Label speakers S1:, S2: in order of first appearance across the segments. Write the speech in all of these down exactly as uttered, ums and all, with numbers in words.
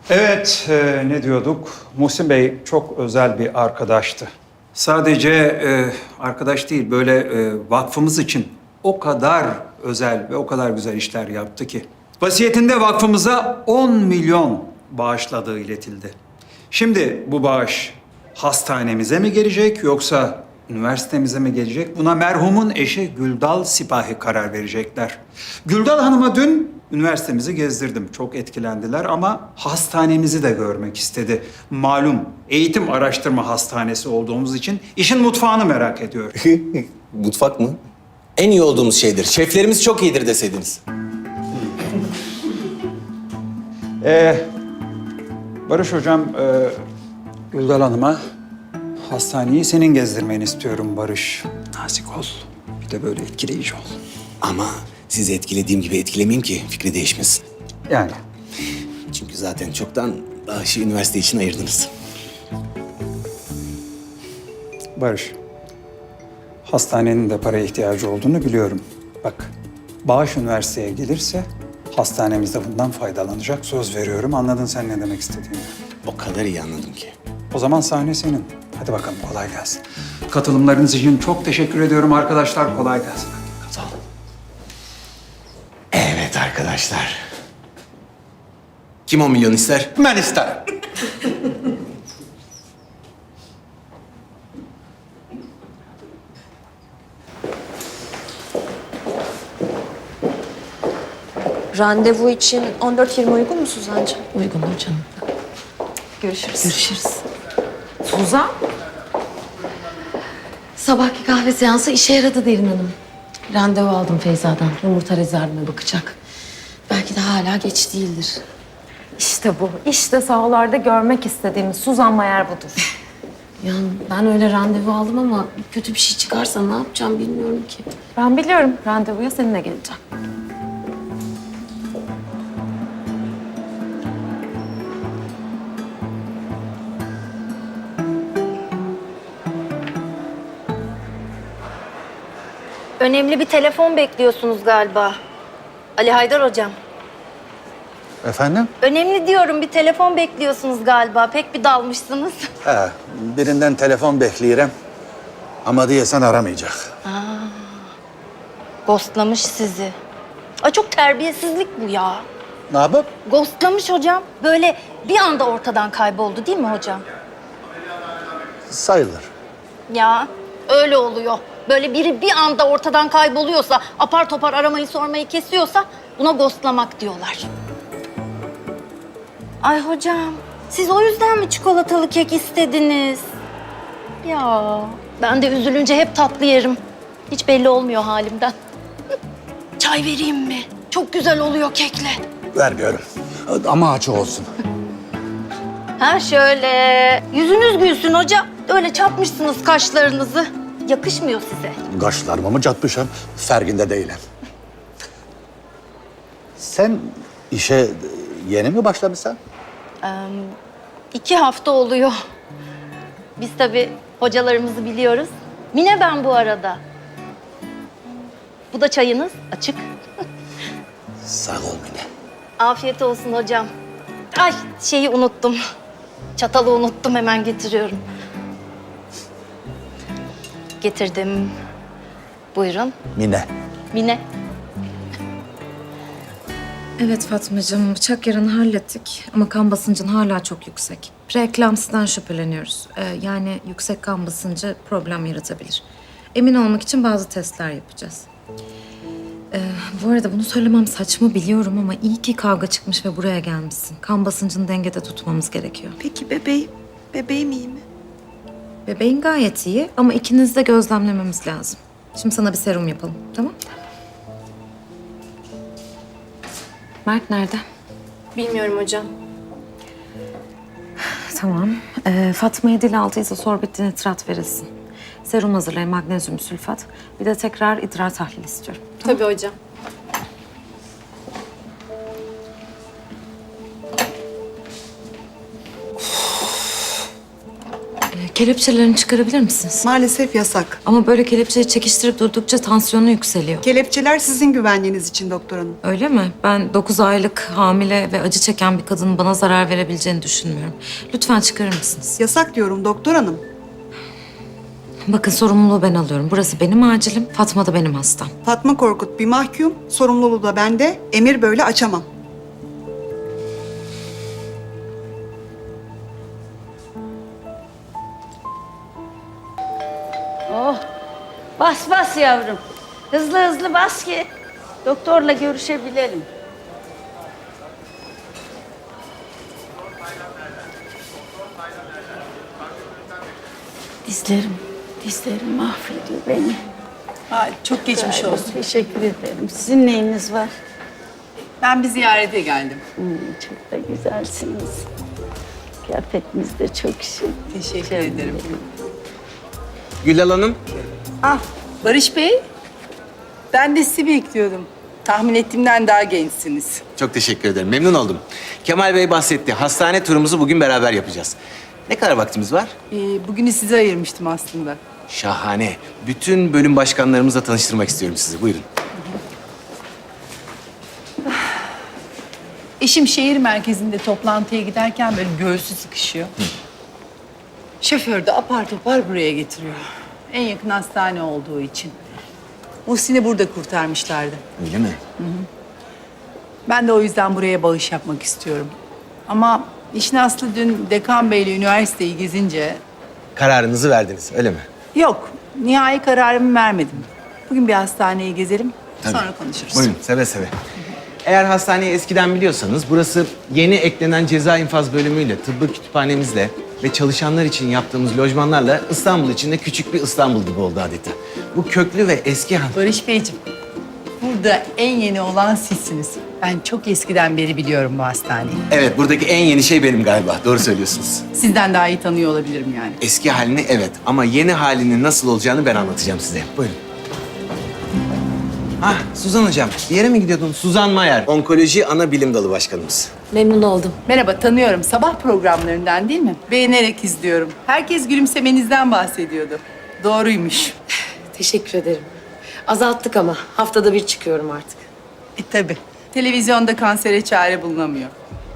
S1: Evet, e, ne diyorduk? Muhsin Bey çok özel bir arkadaştı. Sadece e, arkadaş değil, böyle e, vakfımız için o kadar özel ve o kadar güzel işler yaptı ki. Vasiyetinde vakfımıza on milyon bağışladığı iletildi. Şimdi bu bağış hastanemize mi gelecek yoksa üniversitemize mi gelecek? Buna merhumun eşi Güldal Sipahi karar verecekler. Güldal Hanım'a dün üniversitemizi gezdirdim. Çok etkilendiler ama hastanemizi de görmek istedi. Malum eğitim araştırma hastanesi olduğumuz için işin mutfağını merak ediyor.
S2: Mutfak mı? En iyi olduğumuz şeydir. Şeflerimiz çok iyidir deseydiniz.
S1: Ee, Barış Hocam, e, Güldal Hanım'a hastaneyi senin gezdirmeni istiyorum Barış. Nazik ol. Bir de böyle etkileyici ol.
S2: Ama sizi etkilediğim gibi etkilemeyeyim ki fikri değişmesin.
S1: Yani.
S2: Çünkü zaten çoktan bağışı üniversite için ayırdınız.
S1: Barış, hastanenin de paraya ihtiyacı olduğunu biliyorum. Bak, bağış üniversiteye gelirse hastanemiz de bundan faydalanacak. Söz veriyorum. Anladın sen ne demek istediğimi.
S2: O kadar iyi anladım ki.
S1: O zaman sahne senin. Hadi bakalım, kolay gelsin. Katılımlarınız için çok teşekkür ediyorum arkadaşlar. Kolay gelsin.
S2: Sağ olun. Evet arkadaşlar. Kim on milyon ister?
S1: Ben isterim.
S3: Randevu için on dört yirmi uygun mu Suzancığım?
S4: Uygundur canım.
S3: Görüşürüz.
S4: Görüşürüz. Suzan? Sabahki kahve seansı işe yaradı Derin Hanım. Randevu aldım Feyza'dan. Yumurta rezervime bakacak. Belki de hala geç değildir.
S3: İşte bu. İşte sahalarda görmek istediğimiz Suzan Mayer budur.
S4: Ya ben öyle randevu aldım ama kötü bir şey çıkarsa ne yapacağım bilmiyorum ki.
S3: Ben biliyorum. Randevuya seninle geleceğim.
S5: Önemli bir telefon bekliyorsunuz galiba. Ali Haydar hocam.
S6: Efendim?
S5: Önemli diyorum, bir telefon bekliyorsunuz galiba. Pek bir dalmışsınız.
S6: He, birinden telefon bekliyorum. Ama diyesen aramayacak.
S5: Ghostlamış sizi. Ay çok terbiyesizlik bu ya.
S6: Ne yapıp?
S5: Ghostlamış hocam. Böyle bir anda ortadan kayboldu değil mi hocam?
S6: Sayılır.
S5: Ya öyle oluyor. Böyle biri bir anda ortadan kayboluyorsa, apar topar aramayı sormayı kesiyorsa buna ghostlamak diyorlar. Ay hocam, siz o yüzden mi çikolatalı kek istediniz? Ya ben de üzülünce hep tatlı yerim. Hiç belli olmuyor halimden. Çay vereyim mi? Çok güzel oluyor kekle.
S6: Vermiyorum. Ama açık olsun.
S5: Ha şöyle. Yüzünüz gülsün hocam. Öyle çatmışsınız kaşlarınızı. Yakışmıyor size.
S6: Kaşlarımı mı çatmışım? Ferginde değilim. Sen işe yeni mi başlamışsın?
S5: İki hafta oluyor. Biz tabii hocalarımızı biliyoruz. Mine ben bu arada. Bu da çayınız açık.
S6: Sağ ol Mine.
S5: Afiyet olsun hocam. Ay şeyi unuttum. Çatalı unuttum, hemen getiriyorum. Getirdim. Buyurun.
S6: Mine.
S5: Mine.
S7: Evet Fatmacığım, bıçak yarını hallettik ama kan basıncın hala çok yüksek. Preeklamsiden şüpheleniyoruz. Ee, yani yüksek kan basıncı problem yaratabilir. Emin olmak için bazı testler yapacağız. Ee, bu arada bunu söylemem saçma biliyorum ama iyi ki kavga çıkmış ve buraya gelmişsin. Kan basıncını dengede tutmamız gerekiyor.
S8: Peki bebeğim, bebeğim iyi mi?
S7: Bebeğin gayet iyi ama ikinizi de gözlemlememiz lazım. Şimdi sana bir serum yapalım, tamam? Mert nerede?
S3: Bilmiyorum hocam.
S7: Tamam. Ee, Fatma'ya dil altı izosorbit nitrat verilsin. Serum hazırlayın, magnezyum sülfat. Bir de tekrar idrar tahlili istiyorum.
S3: Tabii hocam.
S7: Ee, Kelepçelerini çıkarabilir misiniz?
S8: Maalesef yasak.
S7: Ama böyle kelepçeyi çekiştirip durdukça tansiyonu yükseliyor.
S8: Kelepçeler sizin güvenliğiniz için doktor hanım.
S7: Öyle mi? Ben dokuz aylık hamile ve acı çeken bir kadının bana zarar verebileceğini düşünmüyorum. Lütfen çıkarır mısınız?
S8: Yasak diyorum doktor hanım.
S7: Bakın sorumluluğu ben alıyorum. Burası benim acilim, Fatma da benim hastam.
S8: Fatma Korkut bir mahkum, sorumluluğu da bende. Emir böyle açamam.
S9: Oh, bas bas yavrum. Hızlı hızlı bas ki doktorla görüşebilelim. Dizlerim, dizlerim mahvediyor beni.
S10: Ay, çok geçmiş olsun.
S9: Teşekkür ederim. Sizin neyiniz var?
S10: Ben bir ziyarete geldim.
S9: Hmm, çok da güzelsiniz. Kıyafetiniz de çok şık.
S10: Teşekkür
S9: Canım
S10: ederim.
S9: benim.
S2: Gülal Hanım.
S10: Ah, Barış Bey. Ben de sizi bekliyordum. Tahmin ettiğimden daha gençsiniz.
S2: Çok teşekkür ederim. Memnun oldum. Kemal Bey bahsetti. Hastane turumuzu bugün beraber yapacağız. Ne kadar vaktimiz var?
S10: Ee, bugünü size ayırmıştım aslında.
S2: Şahane. Bütün bölüm başkanlarımızla tanıştırmak istiyorum sizi. Buyurun.
S10: Eşim şehir merkezinde toplantıya giderken böyle göğsü sıkışıyor. Şoför de apar topar buraya getiriyor. En yakın hastane olduğu için. Muhsin'i burada kurtarmışlardı.
S2: Öyle mi?
S10: Ben de o yüzden buraya bağış yapmak istiyorum. Ama işin aslı dün Dekan Bey'le üniversiteyi gezince...
S2: Kararınızı verdiniz, öyle mi?
S10: Yok, nihai kararımı vermedim. Bugün bir hastaneyi gezelim,
S2: Tabii.
S10: sonra konuşuruz.
S2: Buyurun, seve seve. Eğer hastaneyi eskiden biliyorsanız, burası yeni eklenen ceza infaz bölümüyle, tıbbi kütüphanemizle ve çalışanlar için yaptığımız lojmanlarla İstanbul içinde küçük bir İstanbul gibi oldu adeta. Bu köklü ve eski han...
S10: Barış Beyciğim, burada en yeni olan sizsiniz. Ben çok eskiden beri biliyorum bu hastaneyi.
S2: Evet, buradaki en yeni şey benim galiba. Doğru söylüyorsunuz.
S10: Sizden daha iyi tanıyor olabilirim yani.
S2: Eski halini evet ama yeni halinin nasıl olacağını ben anlatacağım size. Buyurun. Ah, Suzan Hocam. Bir yere mi gidiyordun? Suzan Mayer, Onkoloji Ana Bilim Dalı Başkanımız.
S4: Memnun oldum.
S10: Merhaba, tanıyorum. Sabah programlarından değil mi? Beğenerek izliyorum. Herkes gülümsemenizden bahsediyordu. Doğruymuş.
S4: Teşekkür ederim. Azalttık ama haftada bir çıkıyorum artık.
S10: E tabii. Televizyonda kansere çare bulunamıyor.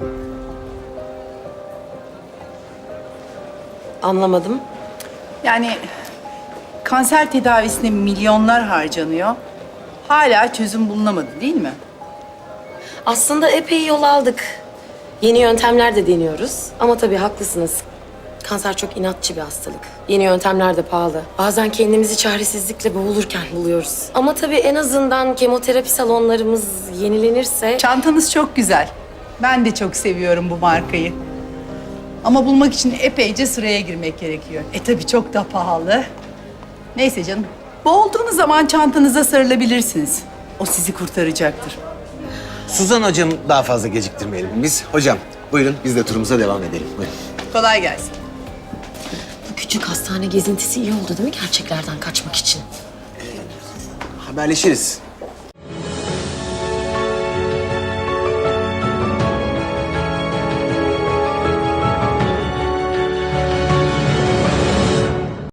S4: Anlamadım.
S10: Yani kanser tedavisine milyonlar harcanıyor. Hala çözüm bulunamadı değil mi?
S4: Aslında epey yol aldık. Yeni yöntemler de deniyoruz. Ama tabii haklısınız. Kanser çok inatçı bir hastalık. Yeni yöntemler de pahalı. Bazen kendimizi çaresizlikle boğulurken buluyoruz. Ama tabii en azından kemoterapi salonlarımız yenilenirse...
S10: Çantanız çok güzel. Ben de çok seviyorum bu markayı. Ama bulmak için epeyce sıraya girmek gerekiyor. E tabii çok da pahalı. Neyse canım. Boğulduğunuz zaman çantanıza sarılabilirsiniz. O sizi kurtaracaktır.
S2: Suzan Hocam daha fazla geciktirmeyelim. Biz hocam buyurun biz de turumuza devam edelim. Buyurun.
S10: Kolay gelsin.
S4: Bu küçük hastane gezintisi iyi oldu değil mi gerçeklerden kaçmak için?
S2: Haberleşiriz.